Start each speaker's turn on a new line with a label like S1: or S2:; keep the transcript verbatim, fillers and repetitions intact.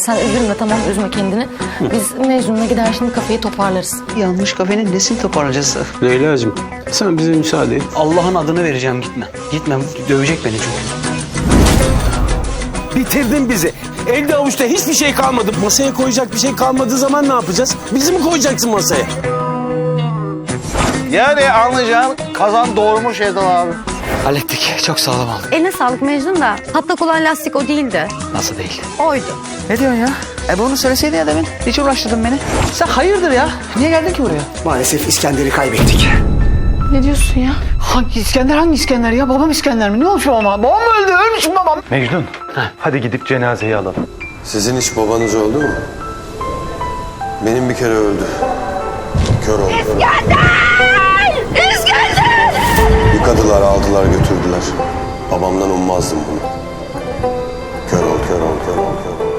S1: sen üzülme, tamam, üzme kendini. Biz Mecnun'la gider şimdi kafeyi toparlarız.
S2: Yanmış kafenin nesini toparlayacağız?
S3: Leyla'cığım sen bize müsaade et.
S2: Allah'ın adını vereceğim, gitme. Gitme, dövecek beni çünkü.
S3: Bitirdin bizi. Elde avuçta hiçbir şey kalmadı. Masaya koyacak bir şey kalmadığı zaman ne yapacağız? Bizi mi koyacaksın masaya?
S4: Yani anlayacağın kazan doğurmuş Erdal abi.
S2: Hallettik, çok sağlam aldık.
S1: Eline sağlık Mecnun da patlak olan lastik o değildi.
S2: Nasıl değil?
S1: Oydu.
S2: Ne diyorsun ya? E bunu söyleseydin ya demin. Hiç uğraştırdın beni. Sen hayırdır ya? Niye geldin ki buraya?
S5: Maalesef İskender'i kaybettik.
S1: Ne diyorsun ya?
S2: Hangi İskender, hangi İskender ya? Babam İskender mi? Ne olmuş babama? Babam mı öldü? Ölmüş mü babam?
S6: Mecnun, hadi gidip cenazeyi alalım.
S7: Sizin hiç babanız öldü mü? Benim bir kere öldü. Kör oldu.
S1: İskender! İskender!
S7: Yıkadılar, aldılar, götürdüler. Babamdan ummazdım bunu. Kör ol, kör ol, kör ol, kör ol.